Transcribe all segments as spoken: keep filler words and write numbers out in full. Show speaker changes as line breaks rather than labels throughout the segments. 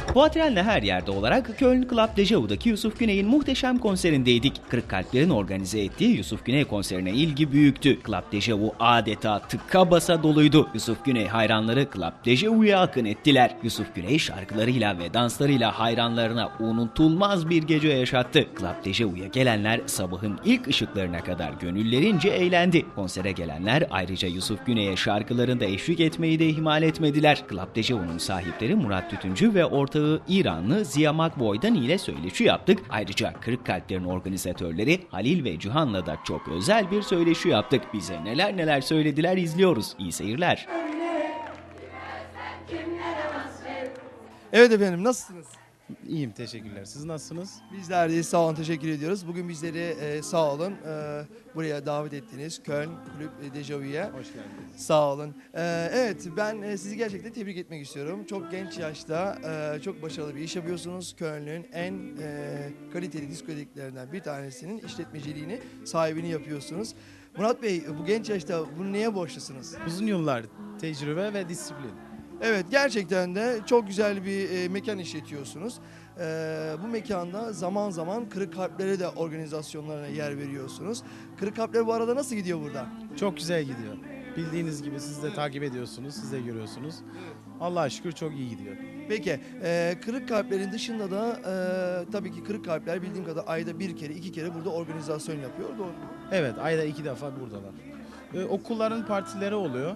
Fuatren'le her yerde olarak Köln Club Dejavu'daki Yusuf Güney'in muhteşem konserindeydik. Kırık Kalpler'in organize ettiği Yusuf Güney konserine ilgi büyüktü. Club Dejavu adeta tıka basa doluydu. Yusuf Güney hayranları Club Dejavu'ya akın ettiler. Yusuf Güney şarkılarıyla ve danslarıyla hayranlarına unutulmaz bir gece yaşattı. Club Dejavu'ya gelenler sabahın ilk ışıklarına kadar gönüllerince eğlendi. Konsere gelenler ayrıca Yusuf Güney'e şarkılarında eşlik etmeyi de ihmal etmediler. Club Dejavu'nun sahipleri Murat Tütüncü ve ortağı İranlı Ziya Makboy'dan ile söyleşi yaptık. Ayrıca Kırık Kalpler'in organizatörleri Halil ve Cihan'la da çok özel bir söyleşi yaptık. Bize neler neler söylediler izliyoruz. İyi seyirler.
Evet efendim, nasılsınız?
İyiyim, teşekkürler. Siz nasılsınız?
Bizler de sağ olun, teşekkür ediyoruz. Bugün bizleri e, sağ olun e, buraya davet ettiniz. Köln Kulüp Dejavu'ya.
Hoş geldiniz.
Sağ olun. E, evet, ben e, sizi gerçekten tebrik etmek istiyorum. Çok genç yaşta e, çok başarılı bir iş yapıyorsunuz. Köln'ün en e, kaliteli diskoteklerinden bir tanesinin işletmeciliğini, sahibini yapıyorsunuz. Murat Bey, bu genç yaşta bunu neye borçlusunuz?
Uzun yıllar tecrübe ve disiplin.
Evet, gerçekten de çok güzel bir e, mekan işletiyorsunuz. E, bu mekanda zaman zaman Kırık Kalplere de organizasyonlarına yer veriyorsunuz. Kırık Kalpler bu arada nasıl gidiyor burada?
Çok güzel gidiyor. Bildiğiniz gibi siz de takip ediyorsunuz, siz de görüyorsunuz. Allah'a şükür çok iyi gidiyor.
Peki, e, Kırık Kalpler'in dışında da e, tabii ki Kırık Kalpler bildiğim kadar ayda bir kere, iki kere burada organizasyon yapıyor, doğru mu?
Evet, ayda iki defa buradalar. Ee, okulların partileri oluyor.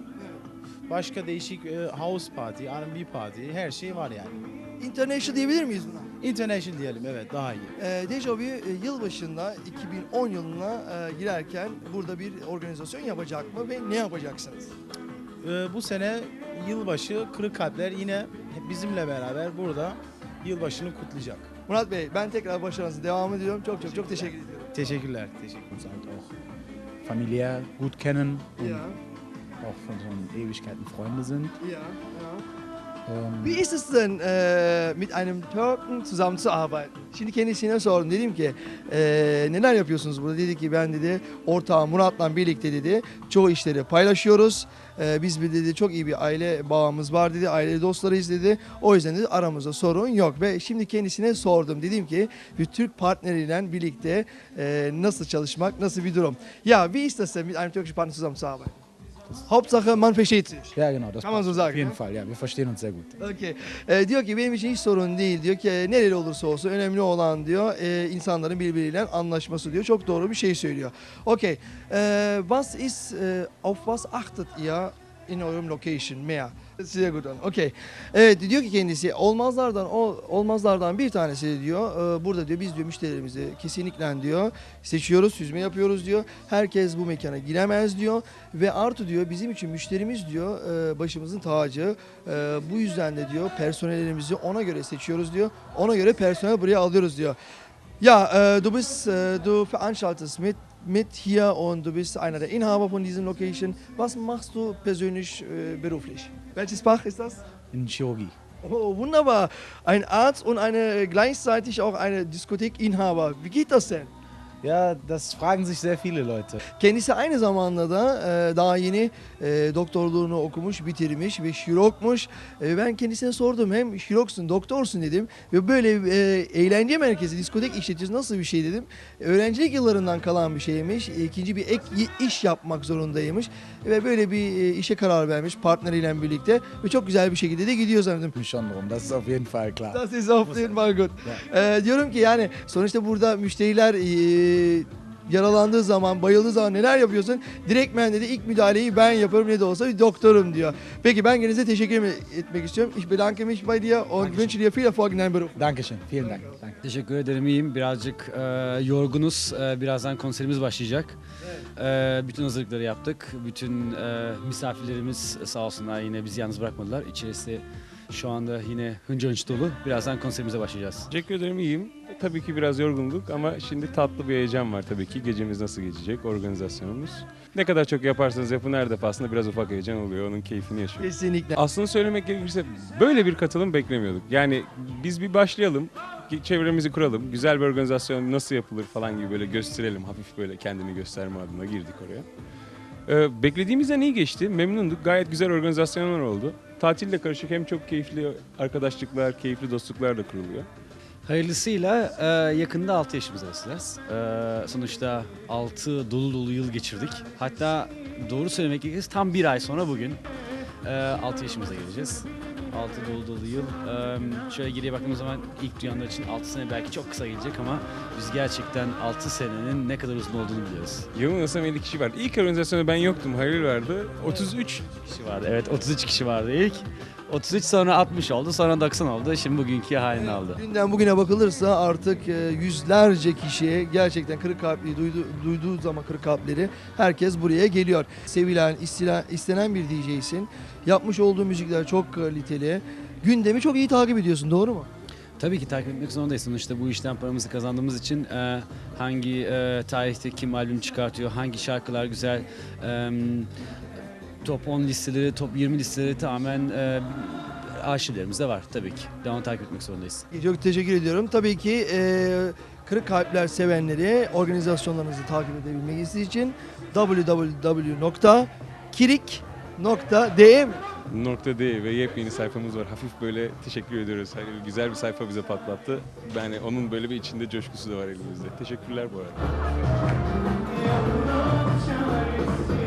Başka değişik e, house party, R and B party, her şey var yani.
International diyebilir miyiz buna?
International diyelim, evet, daha iyi.
E, Dejavu e, yılbaşında iki bin on yılına e, girerken burada bir organizasyon yapacak mı ve ne yapacaksınız?
Ee, bu sene yılbaşı Kırık Kalpler yine bizimle beraber burada yılbaşını kutlayacak.
Murat Bey, ben tekrar başarınızı devam ediyorum. Çok çok çok teşekkür ediyorum.
Teşekkürler, teşekkür
uns halt auch familiär gut kennen und
Ja,
auch von so Ewigkeiten Freunde sind.
ja, ja.
Ähm,
Wie ist es denn, äh, mit einem Türken zusammenzuarbeiten? Şimdi kendisine sordum. Dedim ki e, neler yapıyorsunuz burada? Dedi ki ben dedi ortağım Murat'la birlikte dedi çoğu işleri paylaşıyoruz. E, biz bir dedi çok iyi bir aile bağımız var dedi. Aile dostlarıyız dedi. O yüzden dedi aramızda sorun yok. Ve şimdi kendisine sordum. Dedim ki bir Türk partneriyle birlikte e, nasıl çalışmak, nasıl bir durum? Ja, wie ist das denn mit einem türkischen Partner zusammenzuarbeiten? Hauptsache man versteht sich.
ja, genau, das
Kann man so
passt.
sagen,
Auf jeden
ne?
Fall, ja, wir verstehen uns sehr gut.
Okay. Ee, diyor ki benim için hiç sorun değil diyor ki e, nereli olursa olsun önemli olan diyor e, insanların birbiriyle anlaşması diyor. Çok doğru bir şey söylüyor. Okay. Ee, was ist, e, auf was achtet ihr in eurem location mehr? Sehr gut an. Okay. Evet diyor ki kendisi olmazlardan o olmazlardan bir tanesi diyor. E, burada diyor biz diyor müşterilerimizi kesinlikle diyor seçiyoruz, süzme yapıyoruz diyor. Herkes bu mekana giremez diyor ve artı diyor bizim için müşterimiz diyor e, başımızın tacı. E, bu yüzden de diyor personellerimizi ona göre seçiyoruz diyor. Ona göre personel buraya alıyoruz diyor. Ja, äh, du bist, äh, du veranstaltest mit, mit hier und du bist einer der Inhaber von diesem Location. Was machst du persönlich äh, beruflich? Welches Fach ist das?
In Chirurgie.
Oh, wunderbar. Ein Arzt und eine gleichzeitig auch eine Diskothekinhaber. Wie geht das denn?
Ja, das fragen sich sehr viele Leute.
Kendisi aynı zamanda da e, daha yeni e, doktorluğunu okumuş, bitirmiş ve şirokmuş. E, ben kendisine sordum hem şiroksun, doktorsun dedim. Ve böyle e, eğlence merkezi, diskotek işletiyorsun nasıl bir şey dedim. Öğrencilik yıllarından kalan bir şeymiş. E, ikinci bir ek iş yapmak zorundaymış. Ve böyle bir e, işe karar vermiş partneriyle birlikte. Ve çok güzel bir şekilde de gidiyor zannediyorum.
Mich schon drum, das ist auf jeden Fall klar.
Das ist auf jeden Fall gut. Ee, diyorum ki yani sonuçta burada müşteriler e, yaralandığı zaman, bayıldığı zaman neler yapıyorsun? Direktmen dedi ilk müdahaleyi ben yaparım ne de olsa bir doktorum diyor. Peki ben kendinize teşekkür etmek istiyorum. Ich bedanke mich bei dir und wünsche dir viel Erfolg in deinem Beruf.
Dankeschön, vielen Dank. Danke.
Teşekkür ederim, iyiyim. Birazcık e, yorgunuz. E, birazdan konserimiz başlayacak. E, bütün hazırlıkları yaptık. Bütün e, misafirlerimiz sağ olsunlar yine bizi yalnız bırakmadılar. İçerisi şu anda yine hınca hınç dolu. Birazdan konserimize başlayacağız.
Teşekkür ederim, iyiyim. Tabii ki biraz yorgunluk ama şimdi tatlı bir heyecan var tabii ki. Gecemiz nasıl geçecek, organizasyonumuz. Ne kadar çok yaparsanız yapın her defasında biraz ufak heyecan oluyor. Onun keyfini yaşıyoruz.
Kesinlikle.
Aslında söylemek gerekirse böyle bir katılım beklemiyorduk. Yani biz bir başlayalım, çevremizi kuralım, güzel bir organizasyon nasıl yapılır falan gibi böyle gösterelim. Hafif böyle kendini gösterme adına girdik oraya. Ee, beklediğimizden iyi geçti, memnunduk. Gayet güzel organizasyonlar oldu. tatille karışık hem çok keyifli arkadaşlıklar, keyifli dostluklar da kuruluyor.
Hayırlısıyla e, yakında altı yaşımıza basacağız. E, sonuçta altı dolu dolu yıl geçirdik. Hatta doğru söylemek gerekirse tam bir ay sonra bugün e, altı yaşımıza geleceğiz. altı dolu dolu yıl. E, şöyle geriye baktığımız zaman ilk duyanlar için altı sene belki çok kısa gelecek ama biz gerçekten altı senenin ne kadar uzun olduğunu biliyoruz.
Yanılmıyorsam elli kişi vardı. İlk organizasyonda ben yoktum, Halil vardı. otuz üç
Kişi vardı. Evet, otuz üç kişi vardı ilk. otuz üç sonra altmış oldu, sonra doksan oldu. Şimdi bugünkü halini aldı.
Dünden bugüne bakılırsa artık e, yüzlerce kişi gerçekten kırık kalpli duydu, duyduğu zaman kırık kalpleri herkes buraya geliyor. Sevilen, istila- istenen bir D J'sin. Yapmış olduğu müzikler çok kaliteli. Gündemi çok iyi takip ediyorsun, doğru mu?
Tabii ki takip etmek zorundayız. Sonuçta bu işten paramızı kazandığımız için e, hangi e, tarihte kim albüm çıkartıyor, hangi şarkılar güzel, e, top on listeleri, top yirmi listeleri tamamen e, arşivlerimizde var tabii ki. Devamlı takip etmek zorundayız.
Çok teşekkür ediyorum. Tabii ki e, kırık kalpler sevenleri organizasyonlarınızı takip edebilmek için w w w nokta kirik nokta d e mi?
Nokta D ve yepyeni sayfamız var. Hafif böyle teşekkür ediyoruz. Hani güzel bir sayfa bize patlattı. Yani onun böyle bir içinde coşkusu da var elimizde. Teşekkürler bu arada.